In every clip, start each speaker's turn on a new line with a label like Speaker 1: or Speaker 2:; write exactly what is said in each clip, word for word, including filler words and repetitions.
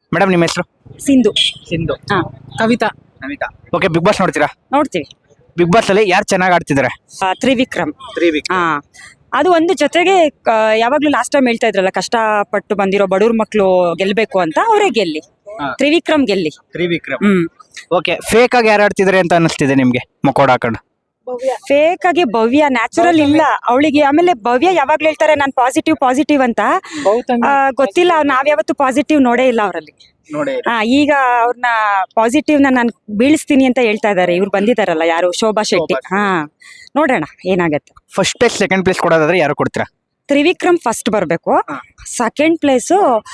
Speaker 1: Madam ನಿಮ್ಮ ಹೆಸರು?
Speaker 2: ಸಿಂಧು.
Speaker 1: ಸಿಂಧು.
Speaker 2: ಹಾ. Kavita.
Speaker 1: Namita. Okay, big boss ನೋಡ್ತೀರಾ?
Speaker 2: ನೋಡ್ತೀವಿ.
Speaker 1: ಬಿಗ್ ಬಾಸ್ ಅಲ್ಲಿ ಯಾರು ಚೆನ್ನಾಗಿ ಆಡ್ತಿದ್ದಾರೆ?
Speaker 2: ಆ, ತ್ರಿವಿಕ್ರಮ್.
Speaker 1: ತ್ರಿವಿಕ್ರಮ್.
Speaker 2: ಹಾ. ಅದು ಒಂದು ಜೊತೆಗೆ ಕ- ಯಾವಾಗ್ಲೂ ಲಾಸ್ಟ್ ಟೈಮ್ ಹೇಳ್ತಾ ಇದ್ರಲ್ಲ, ಕಷ್ಟಪಟ್ಟು ಬಂದಿರೋ ಬಡವ್ರ ಮಕ್ಳು ಗೆಲ್ಬೇಕು ಅಂತ, ಅವರೇ ಗೆಲ್ಲಿ.
Speaker 1: ಹಾ.
Speaker 2: ತ್ರಿವಿಕ್ರಮ್ ಗೆಲ್ಲಿ.
Speaker 1: ತ್ರಿವಿಕ್ರಮ್.
Speaker 2: ಹ್ಮ್.
Speaker 1: ಓಕೆ, ಫೇಕ್ ಆಗಿ ಯಾರು ಆಡ್ತಿದ್ದಾರೆ ಅಂತ ಅನಿಸ್ತಿದೆ ನಿಮ್ಗೆ ಮುಖೋಡ ಹಾಕೊಂಡು?
Speaker 2: ಫೇಕ್ ಆಗಿ ಭವ್ಯ ನ್ಯಾಚುರಲ್ ಇಲ್ಲ ಅವಳಿಗೆ. ಆಮೇಲೆ ಭವ್ಯ ಯಾವಾಗ್ಲೂ ಹೇಳ್ತಾರೆ ನಾನ್ ಪಾಸಿಟಿವ್ ಪಾಸಿಟಿವ್ ಅಂತ. ಆ, ಗೊತ್ತಿಲ್ಲ, ನಾವ್ ಯಾವತ್ತು ಪಾಸಿಟಿವ್ ನೋಡೇ ಇಲ್ಲ ಅವರಲ್ಲಿ.
Speaker 1: ನೋಡಿ.
Speaker 2: ಹಾ, ಈಗ ಅವ್ರನ್ನ ಪಾಸಿಟಿವ್ ನ ನಾನು ಬೀಳಿಸ್ತೀನಿ ಅಂತ ಹೇಳ್ತಾ ಇದಾರೆ. ಇವ್ರು ಬಂದಿದಾರಲ್ಲ, ಯಾರು, ಶೋಭಾ ಶೆಟ್ಟಿ. ಹಾ, ನೋಡೋಣ ಏನಾಗತ್ತೆ.
Speaker 1: ಫಸ್ಟ್ ಪ್ಲೇಸ್ ಸೆಕೆಂಡ್ ಪ್ಲೇಸ್ ಕೊಡೋದಾದ್ರೆ ಯಾರು ಕೊಡ್ತೀರಾ?
Speaker 2: ತ್ರಿವಿಕ್ರಮ್ ಫಸ್ಟ್ ಬರ್ಬೇಕು. ಸೆಕೆಂಡ್ ಪ್ಲೇಸು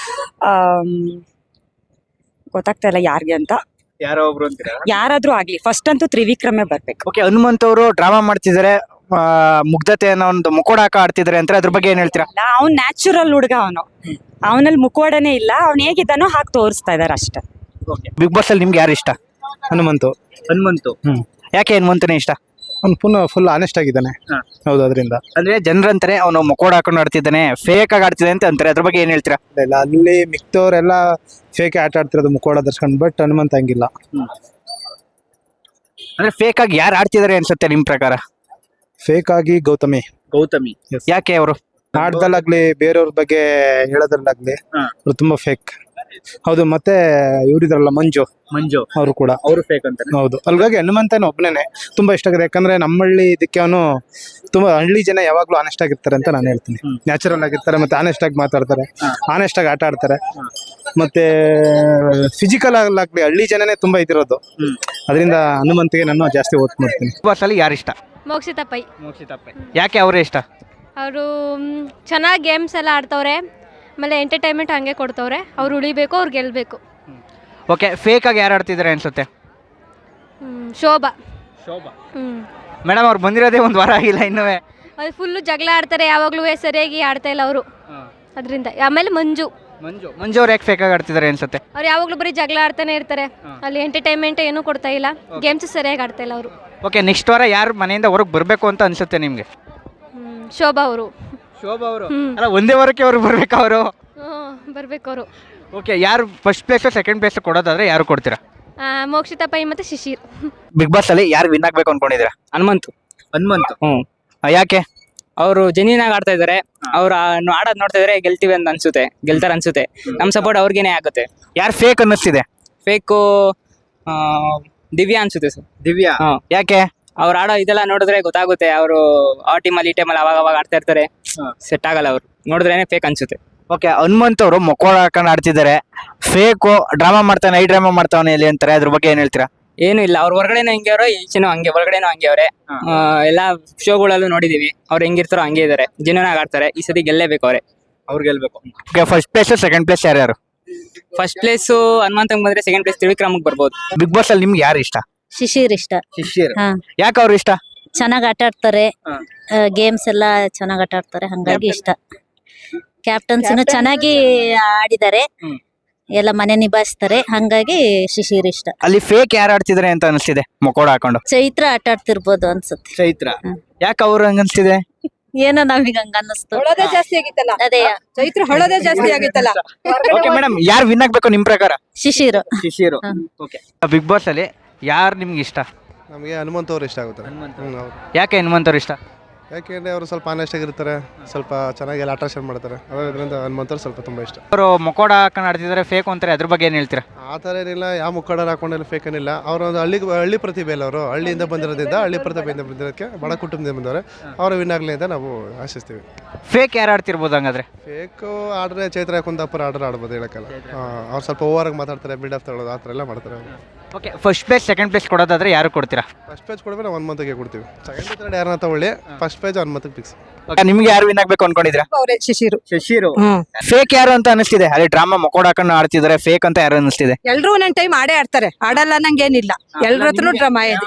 Speaker 2: ಗೊತ್ತಾಗ್ತಾ ಇಲ್ಲ ಯಾರಿಗೆ ಅಂತ.
Speaker 1: ಯಾರೋ ಒಬ್ರು ಅಂತೀರಾ?
Speaker 2: ಯಾರಾದ್ರೂ ಆಗ್ಲಿ, ಫಸ್ಟ್ ಅಂತೂ ತ್ರಿವಿಕ್ರಮೇ ಬರ್ಬೇಕು.
Speaker 1: ಓಕೆ, ಹನುಮಂತ್ ಅವರು ಡ್ರಾಮಾ ಮಾಡ್ತಿದ್ದಾರೆ, ಆ, ಮುಗ್ಧತೆ ಅನ್ನೋ ಒಂದು ಮುಖೋಡ ಹಾಕ ಆಡ್ತಿದ್ದಾರೆ ಅಂತ ಅದ್ರ ಬಗ್ಗೆ ಏನ್ ಹೇಳ್ತೀರಾ?
Speaker 2: ಅವ್ನ್ ನ್ಯಾಚುರಲ್ ಹುಡುಗ, ಅವನು ಅವನಲ್ಲಿ ಮುಖವಾಡನೇ ಇಲ್ಲ. ಅವ್ನ್ ಹೇಗಿದ್ದಾನೋ ಹಾಕಿ ತೋರಿಸ್ತಾ ಇದಾರೆ ಅಷ್ಟೇ.
Speaker 1: ಬಿಗ್ ಬಾಸ್ ಅಲ್ಲಿ ನಿಮ್ಗೆ ಯಾರು ಇಷ್ಟ?
Speaker 3: ಹನುಮಂತು.
Speaker 1: ಹನುಮಂತು.
Speaker 3: ಹ್ಮ್.
Speaker 1: ಯಾಕೆ ಹನುಮಂತನೇ ಇಷ್ಟ?
Speaker 3: ಅವ್ನು ಪುನಃ ಫುಲ್ ಆನೆಸ್ಟ್ ಆಗಿದ್ದಾನೆ.
Speaker 1: ಹಾ.
Speaker 3: ಹೌದು, ಅದರಿಂದ
Speaker 1: ಅಂದ್ರೆ ಜನರಂತಾರೆ ಅವನು ಮುಖೋಡ ಹಾಕೊಂಡು ಆಡ್ತಿದ್ದಾನೆ, ಫೇಕ್ ಆಗಿ ಆಡ್ತಿದೆ ಅಂತ ಅಂತಾರೆ. ಅದ್ರ ಬಗ್ಗೆ ಏನ್ ಹೇಳ್ತೀರಾ?
Speaker 3: ಇಲ್ಲ, ಅಲ್ಲಿ ಮಿಕ್ತವ್ರೆಲ್ಲ ಫೇಕ್ ಆಟ ಆಡ್ತಿರೋದು ಮುಖವಾಡ ಧರಿಸ್ಕೊಂಡು, ಬಟ್ ಹನುಮಂತ ಹಂಗಿಲ್ಲ.
Speaker 1: ಅಂದ್ರೆ ಫೇಕ್ ಆಗಿ ಯಾರು ಆಡ್ತಿದ್ದಾರೆ ಅನ್ಸುತ್ತೆ ನಿಮ್ ಪ್ರಕಾರ?
Speaker 3: ಫೇಕ್ ಆಗಿ ಗೌತಮಿ.
Speaker 1: ಗೌತಮಿ. ಯಾಕೆ ಅವರು?
Speaker 3: ಆಟದಲ್ಲಾಗ್ಲಿ ಬೇರೆಯವ್ರ ಬಗ್ಗೆ ಹೇಳೋದ್ರಲ್ಲಾಗ್ಲಿ
Speaker 1: ಹಾ.
Speaker 3: ಅವ್ರು ತುಂಬಾ ಫೇಕ್. ಹೌದು, ಮತ್ತೆ ಇವರಿದ್ರಲ್ಲ ಮಂಜು,
Speaker 1: ಮಂಜು
Speaker 3: ಅವರು ಕೂಡ.
Speaker 1: ಅವರು ಫೇಕ್ ಅಂತ.
Speaker 3: ಹೌದು, ಅಲ್ಗಾಗಿ ಹನುಮಂತನ ಒಬ್ಬನೇ ತುಂಬಾ ಇಷ್ಟ ಆಗಿದೆ. ಯಾಕಂದ್ರೆ ನಮ್ಮಳ್ಳಿ ಇದಕ್ಕೆ ಅವನು ತುಂಬಾ, ಹಳ್ಳಿ ಜನ ಯಾವಾಗ್ಲೂ ಆನೆಸ್ಟ್ ಆಗಿರ್ತಾರೆ ಅಂತ ನಾನು ಹೇಳ್ತೀನಿ. ನ್ಯಾಚುರಲ್ ಆಗಿರ್ತಾರೆ, ಮತ್ತೆ ಆನೆಸ್ಟ್ ಆಗಿ ಮಾತಾಡ್ತಾರೆ, ಆನೆಸ್ಟ್ ಆಗಿ ಆಟ ಆಡ್ತಾರೆ. ಮತ್ತೆ ಫಿಸಿಕಲ್ ಆಗ್ಲಿ ಹಳ್ಳಿ ಜನನೇ ತುಂಬಾ ಇದಿರೋದು. ಅದರಿಂದ ಹನುಮಂತಿಗೆ ನಾನು ಜಾಸ್ತಿ ಓಟ್ ಮಾಡ್ತೀನಿ.
Speaker 1: ಬಿಗ್ ಬಾಸ್ ಅಲ್ಲಿ ಯಾರು ಇಷ್ಟ?
Speaker 4: ಮೋಕ್ಷಿತಾ ಪೈ.
Speaker 1: ಯಾಕೆ ಅವರೇ ಇಷ್ಟ?
Speaker 4: ಅವರು ಚೆನ್ನಾಗಿ ಗೇಮ್ಸ್ ಎಲ್ಲ ಆಡ್ತವ್ರೆ, ಆಮೇಲೆ ಎಂಟರ್ಟೈನ್ಮೆಂಟ್ ಹಂಗೆ ಕೊಡ್ತವ್ರೆ. ಅವ್ರು ಉಳಿಬೇಕು, ಅವ್ರು ಗೆಲ್ಲಬೇಕು.
Speaker 1: ಓಕೆ, ಫೇಕ್ ಆಗಿ ಯಾರು ಆಡ್ತಿದ್ದಾರೆ ಅನ್ಸುತ್ತೆ?
Speaker 4: ಶೋಭಾ.
Speaker 1: ಶೋಭಾ.
Speaker 4: ಹ್ಞೂ.
Speaker 1: ಮೇಡಮ್ ಅವ್ರು ಬಂದಿರೋದೇ ಒಂದು ವಾರ ಆಗಿಲ್ಲ ಇನ್ನೂ.
Speaker 4: ಅದು ಫುಲ್ಲು ಜಗಳ ಆಡ್ತಾರೆ, ಯಾವಾಗಲೂ ಸರಿಯಾಗಿ ಆಡ್ತಾ ಇಲ್ಲ ಅವರು. ಅದರಿಂದ ಆಮೇಲೆ ಮಂಜು.
Speaker 1: ಮಂಜು ಮಂಜು ಅವ್ರು ಯಾಕೆ ಫೇಕ್ ಆಗಿ ಆಡ್ತಿದ್ದಾರೆ ಅನ್ಸುತ್ತೆ?
Speaker 4: ಅವ್ರು ಯಾವಾಗಲೂ ಬರೀ ಜಗಳ ಆಡ್ತಾನೆ ಇರ್ತಾರೆ. ಅಲ್ಲಿ ಎಂಟರ್ಟೈನ್ಮೆಂಟ್ ಏನೂ ಕೊಡ್ತಾ ಇಲ್ಲ, ಗೇಮ್ಸ್ ಸರಿಯಾಗಿ ಆಡ್ತಾ ಇಲ್ಲ ಅವರು.
Speaker 1: ಓಕೆ, ನೆಕ್ಸ್ಟ್ ವಾರ ಯಾರು ಮನೆಯಿಂದ ಹೊರಗೆ ಬರಬೇಕು ಅಂತ ಅನ್ಸುತ್ತೆ ನಿಮಗೆ?
Speaker 4: ಶೋಭಾ ಅವರು.
Speaker 1: ಶೋಭಾ ಅವರು. ಅಲ್ಲ, ಒಂದೇ ವಾರಕ್ಕೆ ಅವ್ರು ಬರ್ಬೇಕು ಅವರು?
Speaker 4: ಹ್ಞೂ, ಬರಬೇಕು ಅವರು.
Speaker 1: ಓಕೆ, ಯಾರು ಫಸ್ಟ್ ಪ್ಲೇಸ್ ಸೆಕೆಂಡ್ ಪ್ಲೇಸ್ ಕೊಡೋದಾದ್ರೆ ಯಾರು ಕೊಡ್ತೀರಾ?
Speaker 4: ಮೋಕ್ಷಿತಾ ಪೈ ಮತ್ತು ಶಿಶಿರ್.
Speaker 1: ಬಿಗ್ ಬಾಸ್ ಅಲ್ಲಿ ಯಾರು ವಿನ್ ಆಗ್ಬೇಕು ಅನ್ಕೊಂಡಿದ್ದೀರಾ?
Speaker 5: ಹನುಮಂತು.
Speaker 1: ಹನುಮಂತ್.
Speaker 5: ಹ್ಮ್.
Speaker 1: ಯಾಕೆ?
Speaker 5: ಅವರು ಜೆನ್ಯೂನ್ ಆಗಿ ಆಡ್ತಾ ಇದಾರೆ. ಅವ್ರು ಆಡೋದ್ ನೋಡ್ತಾ ಇದ್ರೆ ಗೆಲ್ತೀವಿ ಅಂತ ಅನ್ಸುತ್ತೆ, ಗೆಲ್ತಾರ ಅನ್ಸುತ್ತೆ. ನಮ್ ಸಪೋರ್ಟ್ ಅವ್ರಿಗೇನೆ ಆಗುತ್ತೆ.
Speaker 1: ಯಾರು ಫೇಕ್ ಅನ್ನಿಸ್ತಿದೆ?
Speaker 5: ಫೇಕು ದಿವ್ಯಾ ಅನ್ಸುತ್ತೆ ಸರ್.
Speaker 1: ದಿವ್ಯಾ.
Speaker 5: ಹಾ.
Speaker 1: ಯಾಕೆ?
Speaker 5: ಅವ್ರು ಆಡೋ ಇದೆಲ್ಲ ನೋಡಿದ್ರೆ ಗೊತ್ತಾಗುತ್ತೆ. ಅವರು ಆ ಟೀಮಲ್ಲಿ ಈ ಟೀಮಲ್ಲಿ ಅವಾಗ ಅವಾಗ ಆಡ್ತಾ ಇರ್ತಾರೆ, ಸೆಟ್ ಆಗಲ್ಲ. ಅವ್ರು ನೋಡಿದ್ರೇನೆ ಫೇಕ್ ಅನ್ಸುತ್ತೆ.
Speaker 1: ಓಕೆ, ಹನುಮಂತ್ ಅವರು ಮೊಕೋಳ ಹಾಕೊಂಡು ಆಡ್ತಿದ್ದಾರೆ, ಫೇಕು ಡ್ರಾಮಾ ಮಾಡ್ತಾನೆ, ಐ ಡ್ರಾಮಾ ಮಾಡ್ತಾವನೆ ಇಲ್ಲಿ ಅಂತಾರೆ. ಅದ್ರ ಬಗ್ಗೆ ಏನ್ ಹೇಳ್ತೀರಾ?
Speaker 5: ಏನು ಇಲ್ಲ, ಅವ್ರ ಹೊರಗಡೆನೂ ಹಂಗೆ ಅವ್ರೆ, ಈಚೆನೂ ಹಂಗೆ, ಒಳಗಡೆನೂ ಹಂಗೆ ಅವ್ರೆ. ಎಲ್ಲಾ ಶೋಗಳಲ್ಲೂ ನೋಡಿದೀವಿ, ಅವ್ರು ಹೆಂಗಿರ್ತಾರೋ ಹಂಗೆ ಇದಾರೆ, ಜೆನ್ಯೂನ್ ಆಗಿ ಆಡ್ತಾರೆ. ಈ ಸತಿ ಗೆಲ್ಲೇಬೇಕು ಅವ್ರೆ. ಅವ್ರು ಗೆಲ್ಬೇಕು.
Speaker 1: Okay, first place second place ಯಾರ್ಯಾರು?
Speaker 5: ಫಸ್ಟ್ ಪ್ಲೇಸ್ ಹನುಮಂತಂಗ್ ಬಂದ್ರೆ ಸೆಕೆಂಡ್ ಪ್ಲೇಸ್ ತ್ರಿವಿಕ್ರಮ್ಗೆ ಬರ್ಬೋದು.
Speaker 1: ಬಿಗ್ ಬಾಸ್ ಅಲ್ಲಿ ನಿಮ್ಗೆ ಯಾರು ಇಷ್ಟ?
Speaker 6: ಶಿಶಿರ್ ಇಷ್ಟ.
Speaker 1: ಶಿಶಿರ್.
Speaker 6: ಹಾ.
Speaker 1: ಯಾಕೆ ಅವ್ರು ಇಷ್ಟ?
Speaker 6: ಚೆನ್ನಾಗ್ ಆಟ ಆಡ್ತಾರೆ, ಗೇಮ್ಸ್ ಎಲ್ಲ ಚೆನ್ನಾಗ್ ಆಟ ಆಡ್ತಾರೆ, ಹಂಗಾಗಿ ಇಷ್ಟ. ಕ್ಯಾಪ್ಟನ್ಸಿನು ಚೆನ್ನಾಗಿ ಆಡಿದ್ದಾರೆ, ಎಲ್ಲ ಮನೆ ನಿಭಾಯಿಸ್ತಾರೆ, ಹಂಗಾಗಿ ಶಿಶಿರ್ ಇಷ್ಟ.
Speaker 1: ಅಲ್ಲಿ ಫೇಕ್ ಯಾರು ಆಡ್ತಿದ್ದಾರೆ ಅಂತ ಅನಿಸ್ತಿದೆ ಮೊಕೋಡ ಹಾಕೊಂಡು?
Speaker 6: ಚೈತ್ರ ಆಟ ಆಡ್ತಿರ್ಬೋದು ಅನ್ಸುತ್ತೆ.
Speaker 1: ಚೈತ್ರ. ಯಾಕೆ ಅವ್ರು ಹಂಗ ಅನ್ಸ್ತಿದೆ?
Speaker 6: ಏನೋ ನಮಗ್ ಹಂಗ ಅನ್ನಿಸ್ತು.
Speaker 2: ಹೊಳೋದೇ ಜಾಸ್ತಿ ಆಗಿತ್ತಲ್ಲ.
Speaker 6: ಅದೇ
Speaker 2: ಚೈತ್ರ ಹೊಳೋದೇ ಜಾಸ್ತಿ ಆಗಿತ್ತಲ್ಲ.
Speaker 1: ಓಕೆ ಮೇಡಮ್, ಯಾರು ವಿನ್ ಆಗ್ಬೇಕು ನಿಮ್ ಪ್ರಕಾರ?
Speaker 6: Shishir.
Speaker 1: Shishir. Okay, big boss ಅಲ್ಲಿ ಯಾರು ನಿಮ್ಗೆ ಇಷ್ಟ?
Speaker 3: ನಮಗೆ ಹನುಮಂತ ಅವ್ರು ಇಷ್ಟ ಆಗುತ್ತೆ.
Speaker 1: ಯಾಕೆ ಹನುಮಂತ್ ಅವ್ರು ಇಷ್ಟ?
Speaker 3: ಯಾಕೆಂದ್ರೆ ಅವರು ಸ್ವಲ್ಪ ಆನೆಸ್ಟ್ ಆಗಿರ್ತಾರೆ, ಸ್ವಲ್ಪ ಚೆನ್ನಾಗಿ ಎಲ್ಲ ಆಟ ಮಾಡ್ತಾರೆ. ಅದರಿಂದ ಹನುಮಂತ ಅವ್ರು ಸ್ವಲ್ಪ ತುಂಬಾ ಇಷ್ಟ.
Speaker 1: ಅವರು ಮೊಕೋಡ ಹಾಕೊಂಡು ಆಡ್ತಿದ್ದಾರೆ, ಫೇಕ್ ಅಂತಾರೆ. ಅದ್ರ ಬಗ್ಗೆ ಏನ್ ಹೇಳ್ತೀರಾ?
Speaker 3: ಆ ಥರ ಏನಿಲ್ಲ, ಯಾವ ಮುಖಂಡರು ಹಾಕೊಂಡೆಲ್ಲ ಫೇಕ್ ಏನಿಲ್ಲ. ಅವರು ಒಂದು ಹಳ್ಳಿ ಹಳ್ಳಿ ಪ್ರತಿಭೆ ಅಲ್ಲ, ಅವರು ಹಳ್ಳಿಯಿಂದ ಬಂದಿರೋದ್ರಿಂದ, ಹಳ್ಳಿ ಪ್ರತಿಭೆಯಿಂದ ಬಂದಿರೋದಕ್ಕೆ, ಬಡ ಕುಟುಂಬದಿಂದ ಬಂದವರು, ಅವರು ವಿನ್ ಆಗಲಿ ಅಂತ ನಾವು ಆಶಿಸ್ತೀವಿ.
Speaker 1: ಫೇಕ್ ಯಾರು ಆಡ್ತಿರ್ಬೋದು ಹಂಗಾದ್ರೆ?
Speaker 3: ಫೇಕು ಆಡ್ರೆ ಚೈತ್ರ ಕುಂದಾಪುರ ಆರ್ಡರ್ ಆಡ್ಬೋದು, ಹೇಳಕ್ಕಲ್ಲ. ಅವ್ರು ಸ್ವಲ್ಪ ಓವರ್ ಆಗಿ ಮಾತಾಡ್ತಾರೆ, ಬಿಲ್ಡ್ ಅಪ್ ತಗೊಳ್ಳೋದು, ಆ ಥರ ಎಲ್ಲ ಮಾಡ್ತಾರೆ.
Speaker 1: Okay, first place second place ಕೊಡೋದಾದ್ರೆ ಯಾರು ಕೊಡ್ತೀರಾ?
Speaker 3: ಫಸ್ಟ್ ಪೇಜ್ ಕೊಡ್ಬೇಕು, ನಾವು ಒನ್ ಮಂತ್ಗೆ ಕೊಡ್ತೀವಿ. ಸೆಕೆಂಡ್ ಥರ್ಡ್ ಯಾರನ್ನ ತಗೊಳ್ಳಿ, ಫಸ್ಟ್ ಪೇಜ್ ಒನ್ ಮಂತ್ಗೆ ಫಿಕ್ಸ್.
Speaker 1: ನಿಮ್ಗೆ ಯಾರು ವಿನ್ ಆಗ್ಬೇಕು ಅನ್ಕೊಂಡಿದ್ರಾ?
Speaker 2: ಶಿಶಿರು.
Speaker 1: ಶಶಿರು. ಫೇಕ್ ಯಾರು ಅಂತ ಅನಿಸ್ತಿದೆ? ಅಲ್ಲಿ ಡ್ರಾಮಾ ಮೊಕೋಡ ಹಾಕೊಂಡು ಆಡ್ತಿದ್ದಾರೆ, ಫೇಕ್ ಅಂತ ಯಾರು ಅನಿಸ್ತಿದೆ?
Speaker 2: ಎಲ್ರು ಒಂದೊಂದ್ ಟೈಮ್ ಆಡೇ ಆಡ್ತಾರೆ, ಆಡಲ್ಲ ನಂಗೇನಿಲ್ಲ. ಎಲ್ರ ಹತ್ರನು ಡ್ರಾಮಾ ಇದೆ.